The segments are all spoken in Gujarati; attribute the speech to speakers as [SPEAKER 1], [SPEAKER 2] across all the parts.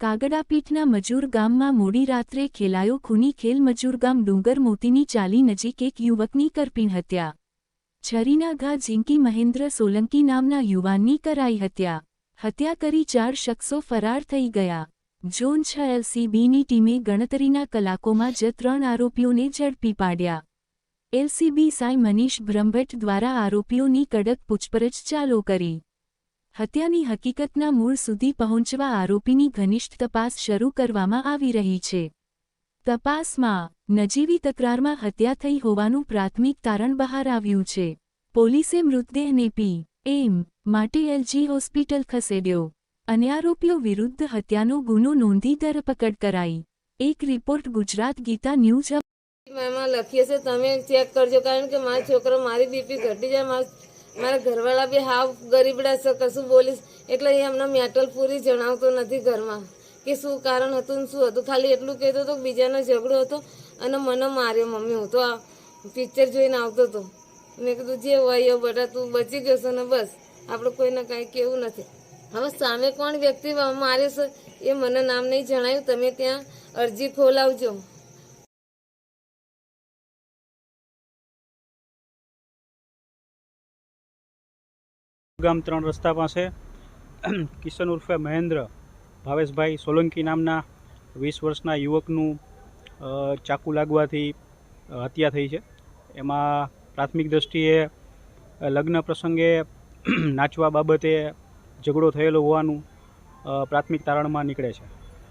[SPEAKER 1] કાગડાપીઠના મજૂર ગામમાં મોડી રાત્રે ખેલાયો ખૂની ખેલ. મજૂર ગામ ડુંગર મોતીની ચાલી નજીક એક યુવકની કરપીણ હત્યા. છરીના ઘા ઝીંકી મહેન્દ્ર સોલંકી નામના યુવાનની કરાઈ હત્યા. હત્યા કરી 4 શખ્સો ફરાર થઈ ગયા. ઝોન 6 એલસીબીની ટીમે ગણતરીના કલાકોમાં જ 3 આરોપીઓને ઝડપી પાડ્યા. એલસીબી સાઈ મનીષ બ્રહ્મભટ્ટ દ્વારા આરોપીઓની કડક પૂછપરછ ચાલુ કરી. હત્યાની હકીકતના મૂળ સુધી પહોંચવા આરોપીની ઘનિષ્ઠ તપાસ શરૂ કરવામાં આવી રહી છે. તપાસમાં નજીવી તકરારમાં હત્યા થઈ હોવાનું પ્રાથમિક તારણ બહાર આવ્યું છે. પોલીસે મૃતદેહને પી.એમ. માટે એલજી હોસ્પિટલ ખસેડ્યો અને આરોપીઓ વિરુદ્ધ હત્યાનો ગુનો નોંધી ધરપકડ કરાઈ. એક રિપોર્ટ ગુજરાત ગીતા ન્યૂઝ.
[SPEAKER 2] એમાં લખીએ છે તમે ચેક કરજો, કારણ કે મારો છોકરો મારી બીપી ઘટી જાય, મારા ઘરવાળા બી હાવ ગરીબડા છે, કશું બોલીશ એટલે એ અમને મેટલ પૂરી જણાવતો નથી ઘરમાં કે શું કારણ હતું ને શું હતું. ખાલી એટલું કહેતો હતો બીજાનો ઝઘડો હતો અને મને માર્યો મમ્મી. હું તો આ પિક્ચર જોઈને આવતો હતો. મેં કીધું જે હોય એ બેટા તું બચી ગયો છે ને બસ, આપણે કોઈને કાંઈ કેવું નથી. હવે સામે કોણ વ્યક્તિ માર્યો છે એ મને નામ નહીં જણાયું. તમે ત્યાં અરજી ખોલાવજો.
[SPEAKER 3] ગામ 3 રસ્તા પાસે કિશન ઉર્ફે મહેન્દ્ર ભાવેશભાઈ સોલંકી નામના 20 વર્ષના યુવકનું ચાકુ લાગવાથી હત્યા થઈ છે. એમાં પ્રાથમિક દ્રષ્ટિએ લગ્ન પ્રસંગે નાચવા બાબતે ઝઘડો થયેલો હોવાનું પ્રાથમિક તારણમાં નીકળે છે.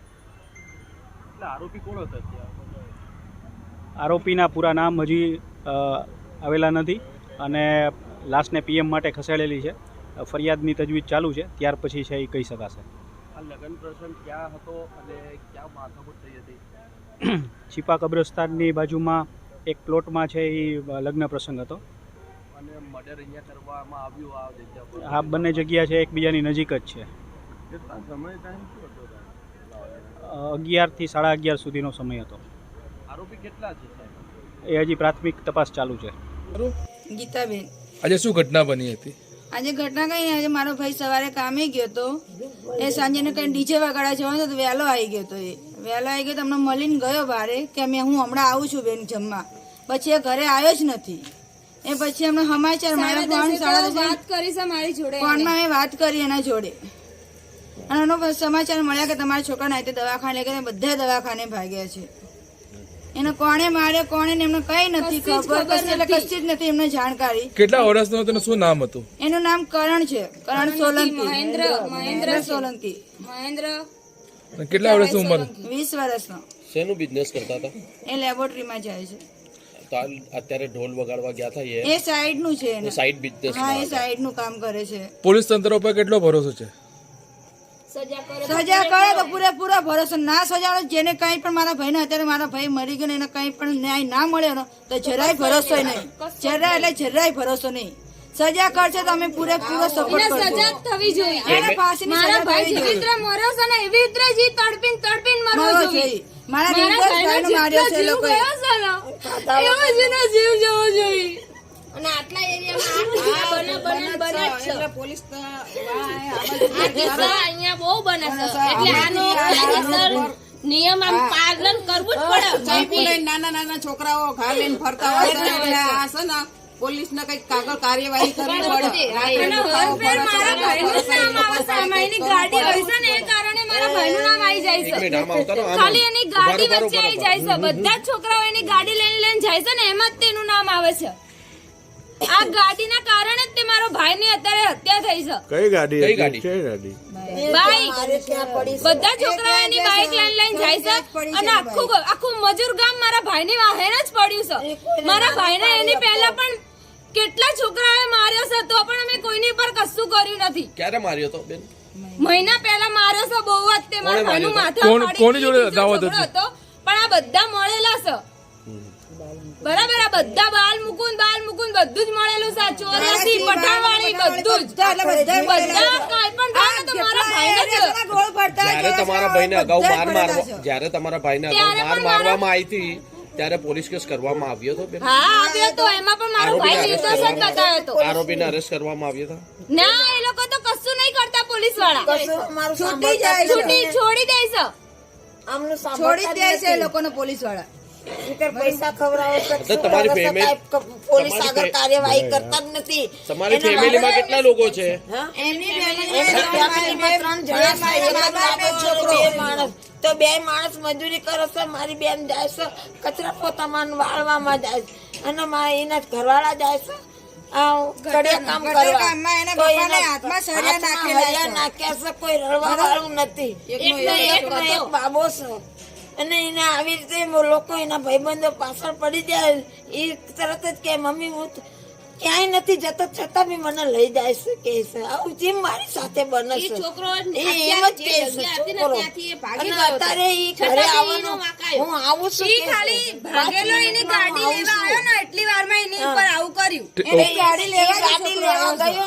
[SPEAKER 4] આરોપી કોણ હતા?
[SPEAKER 3] આરોપીના પૂરા નામ હજી આવેલા નથી અને લાશને પીએમ માટે ખસેડેલી છે. ફરિયાદની તજવીજ ચાલુ છે, ત્યાર પછી છે એ કહી શકાશે.
[SPEAKER 4] આ લગ્ન પ્રસંગ ક્યાં હતો અને ક્યાં માથાકૂટ થઈ હતી?
[SPEAKER 3] છીપા કબ્રસ્તાનની બાજુમાં એક પ્લોટમાં છે એ લગ્ન પ્રસંગ હતો.
[SPEAKER 4] અને મર્ડર અહીંયા કરવામાં આવ્યું આ જગ્યા પર?
[SPEAKER 3] આ બંને જગ્યા છે એકબીજાની નજીક જ છે.
[SPEAKER 4] કેટલા સમય ટાઈમ શું હતો?
[SPEAKER 3] 11 થી 11:30 સુધીનો સમય હતો.
[SPEAKER 4] આરોપી કેટલા છે?
[SPEAKER 3] એ હજી પ્રાથમિક તપાસ ચાલુ છે.
[SPEAKER 5] ગીતાબેન,
[SPEAKER 6] આજે શું ઘટના બની હતી?
[SPEAKER 5] આજે ઘટના કઈ નહીં. આજે મારો ભાઈ સવારે કામે ગયો હતો, એ સાંજે કઈ ડીજે વગાડવા જવાનો હતો, વહેલો આવી ગયો હતો. એ વહેલો આવી ગયો તો અમને મળીને ગયો બારે કે હું હમણાં આવું છું બેન જમવા. પછી એ ઘરે આવ્યો જ નથી. એ પછી અમને સમાચાર મળ્યા, ફોનમાં મેં વાત કરી એના જોડે અને એનો સમાચાર મળ્યા કે તમારા છોકરાને આજે દવાખાને લઈ ગયા. બધા દવાખાને ભાગ્યા છે. એને કોણે માર્યો કોણે એમને કઈ નથી ખબર, કશી જ નથી એમને જાણકારી.
[SPEAKER 6] કેટલા વર્ષનો હતો? શું નામ હતું?
[SPEAKER 5] એનું નામ કરણ છે, કરણ સોલંકી. મહેન્દ્ર સોલંકી.
[SPEAKER 6] કેટલા વર્ષની ઉંમર?
[SPEAKER 5] 20 વર્ષનો.
[SPEAKER 7] શેનું બિઝનેસ કરતા હતા?
[SPEAKER 5] એ લેબોરેટરીમાં જાય છે.
[SPEAKER 7] તો અત્યારે ઢોલ વગાડવા ગયા હતા
[SPEAKER 5] એ સાઈડ નું છે,
[SPEAKER 7] સાઈડ બિઝનેસ.
[SPEAKER 5] હા, એ સાઈડ નું કામ કરે છે.
[SPEAKER 6] પોલીસ તંત્ર ઉપર કેટલો ભરોસો છે?
[SPEAKER 5] સજા કરે તો પૂરેપૂરો ભરોસો. ના સજા જેને કઈ પણ મારા ભાઈ ને અત્યારે મારા ભાઈ મરી ગયો એને કઈ પણ ન્યાય ના મળ્યો તો જરાય ભરોસો નહીં. જરાય ભરોસો નહીં. સજા કરશે તો અમે પૂરેપૂરો સપોર્ટ કરશું.
[SPEAKER 8] સજા થવી જોઈએ.
[SPEAKER 5] એને ફાંસીની સજા થવી જોઈએ.
[SPEAKER 8] મર્યો છે ને એવી રીતે જી તડપીન મરવો જોઈએ.
[SPEAKER 5] મારા નિર્દોષ ભાઈને માર્યો છે લોકોએ.
[SPEAKER 8] એવો જ એનો જીવ જવો જોઈએ. અને આટલા એરિયામાં પોલીસ અહીંયા બહુ બને છે, એટલે આનો નિયમ આમ પાલન કરવું જ પડે.
[SPEAKER 9] નાના છોકરાઓ ઘા લઈને ફરતા હોય એટલે આ છે ને પોલીસ ને કઈક કાગળ કાર્યવાહી કરવી પડે.
[SPEAKER 8] મારા ભાઈનું નામ આવે છે, એની ગાડી હોય છે ને એ કારણે મારા ભાઈનું નામ આવી જાય છે. ખાલી એની ગાડી વચ્ચે આવી જાય છે. બધા જ છોકરાઓ એની ગાડી લઈને જાય છે ને એમાં જ તેનું નામ આવે છે. આ ગાડીના કારણે જ તે મારો ભાઈ ની અત્યારે હત્યા થઈ છે.
[SPEAKER 6] કઈ ગાડી?
[SPEAKER 8] બાઈક. બધા છોકરાઓ એની બાઈક લઈને જાય છે અને આખું મજૂર ગામ મારા ભાઈ ની વાહે જ પડ્યું છે. મારા ભાઈ ને એની પહેલા પણ કેટલા છોકરાઓએ માર્યો છે તો પણ અમે કોઈની પર કશું કર્યું નથી.
[SPEAKER 7] ક્યારે માર્યો તો બેન?
[SPEAKER 8] મહિના પહેલા માર્યો છે. બહુ જ તે મારા ભાઈનું માથા
[SPEAKER 6] કોની જોડે દાવત
[SPEAKER 8] હતો? પણ આ બધા મળેલા છે. બરાબર, આ બધા બાલ મુકુંદ બધું જ મળેલું છે. ચોર્યાસી પઠાણવાળી બધું જ બધા કાઈ પણ થાય તો મારા ભાઈને જ.
[SPEAKER 7] જ્યારે તમારા ભાઈને અગાઉ મારવામાં આવી હતી ત્યારે પોલીસ કેસ કરવામાં આવ્યો હતો બેન?
[SPEAKER 8] હા, આવ્યો તો. એમાં પણ મારો ભાઈ નિર્દોષ જ બતાવ્યો હતો.
[SPEAKER 7] આરોપીને અરેસ્ટ કરવામાં આવ્યો હતો?
[SPEAKER 8] ના, એ લોકો તો કશું નહીં કરતા. પોલીસ વાળા
[SPEAKER 5] છૂટી જાય છે.
[SPEAKER 8] છોડી દે છે.
[SPEAKER 5] છોડી જ દે છે એ લોકોને પોલીસ વાળા.
[SPEAKER 7] તો તમારી ફેમિલી પોલીસ આગળ કાર્યવાહી કરતા જ નથી. તમારી ફેમિલીમાં કેટલા લોકો છે?
[SPEAKER 5] એમની ફેમિલીમાં 3 જણા છે.
[SPEAKER 10] તો 2 માણસ મજૂરી કરે છે. મારી બેન જાય છે કચરા પોતામાં વાળવામાં જાય છે અને મારા એના ઘરવાળા જાય છે કડિયા કામ કરવા.
[SPEAKER 5] કામમાં એના પપ્પાને હાથમાં સળિયા નાખેલા છે.
[SPEAKER 10] નાખ્યા છે. કોઈ રડવા વાળું નથી. એકનો એક બાબો છે અને એને આવી રીતે લોકો એના ભાઈબંધો પાછળ પડી જાય એ તરત જ કે મમ્મી હું ક્યાંય નથી જતો છતાં બી મને લઈ જાય છે કે છે આવું જેમ મારી સાથે બને છે.
[SPEAKER 8] છોકરો
[SPEAKER 10] એ એમ જ કહે છે છોકરો. અને અત્યારે ઈ ઘરે આવવાનું હું આવું છું
[SPEAKER 8] ઈ ખાલી ભાગેલો એની ગાડી લેવા આવ્યો ને એટલી વારમાં એની ઉપર આવું કર્યું.
[SPEAKER 10] ગાડી લેવા ગયો